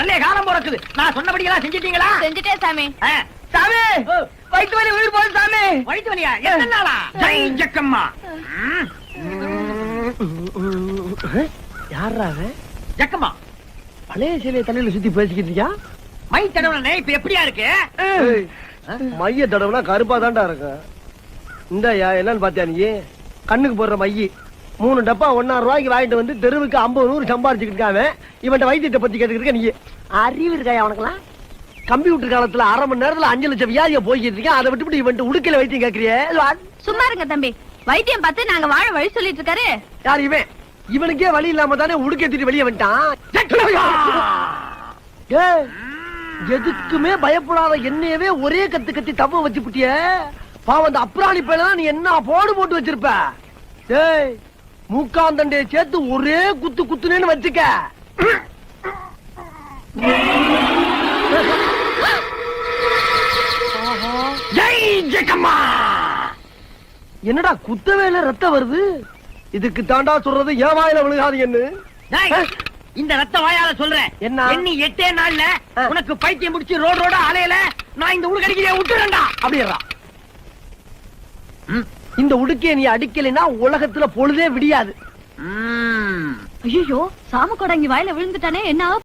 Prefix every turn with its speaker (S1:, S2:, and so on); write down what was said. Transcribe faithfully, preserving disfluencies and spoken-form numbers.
S1: நல்ல காலம் பிறக்குது. நான் சொன்னபடி எல்லாம் செஞ்சிட்டீங்களா?
S2: செஞ்சுட்டே சாமி.
S1: சாமி வயிற்று வலி உயிர் போகுது சாமி. வயிற்று வலியா? எத்தனை நாளா? ஜெய் ஜக்கம்மா.
S3: யாரா
S1: ஜக்கம்மா
S3: பழைய சிலையை தலையில சுத்தி பேசிக்கிட்டு இருக்கியா?
S1: மை தடவை இப்ப எப்படியா இருக்கு?
S3: மைய தடவுனா கருப்பா தான்டா இருக்கு. இந்தயா என்னன்னு பாத்தியா நீ? கண்ணுக்கு போடுற மைய மூணு டப்பா ஒன்னாயிரம் ரூபாய்க்கு வாங்கிட்டு வந்து தெருவுக்கு ஐம்பது நூறு சம்பாரிச்சுக்கிட்டு இருக்காங்க. இவன் வைத்தியத்தை பத்தி கேட்டுக்கிட்டு நீ அறிவு இருக்காயா உனக்குலாம்? கம்ப்யூட்டர் காலத்துல அரை மணி நேரத்துல அஞ்சு லட்சம் வியாதிய போய்கிட்டு இருக்கேன். அதை விட்டு இவன் உடுக்கையில வைத்தியம் கேட்கறியே?
S2: சும்மா இருங்க தம்பி. வைத்தியம் பார்த்து நாங்க வாழ வழி சொல்லிட்டு இருக்காரு.
S3: யார் இவன்? இவனுக்கே வழி இல்லாம தானே உடுக்கை தூக்கி வெளியே வந்துட்டான். எதுக்குமே பயப்படாத என்னையவே ஒரே கத்து கத்தி தவ வச்சு புட்டிய பாவம். அந்த அப்ராணி பையனா நீ என்ன போடு போட்டு வச்சிருப்ப? டேய் மூக்காந்தண்டைய சேர்த்து ஒரே குத்து குத்துனேன்னு வச்சுக்க.
S1: ஜெய் ஜக்கம்மா.
S3: என்னடா குத்தவேல ரத்தம் வருது? இதுக்கு தாண்டா சொல்றது ஏன் வாயில விழுகாதீங்கன்னு.
S1: இந்த ரத்த வாயால சொல்றேன்.
S3: என்ன?
S1: எண்ணி எட்டே நாள்ல உனக்கு பைத்தியம் முடிச்சு ரோடு ரோட அலையில நான் இந்த உடுக்கடிக்கிறேன் விட்டுறேன்டா.
S3: அப்படியா? இந்த உடுக்கைய நீ அடிக்கலைன்னா உலகத்துல பொழுதே விடியாது.
S2: ஐயோ சாம கூட இங்க வாயில விழுந்துட்டானே என்ன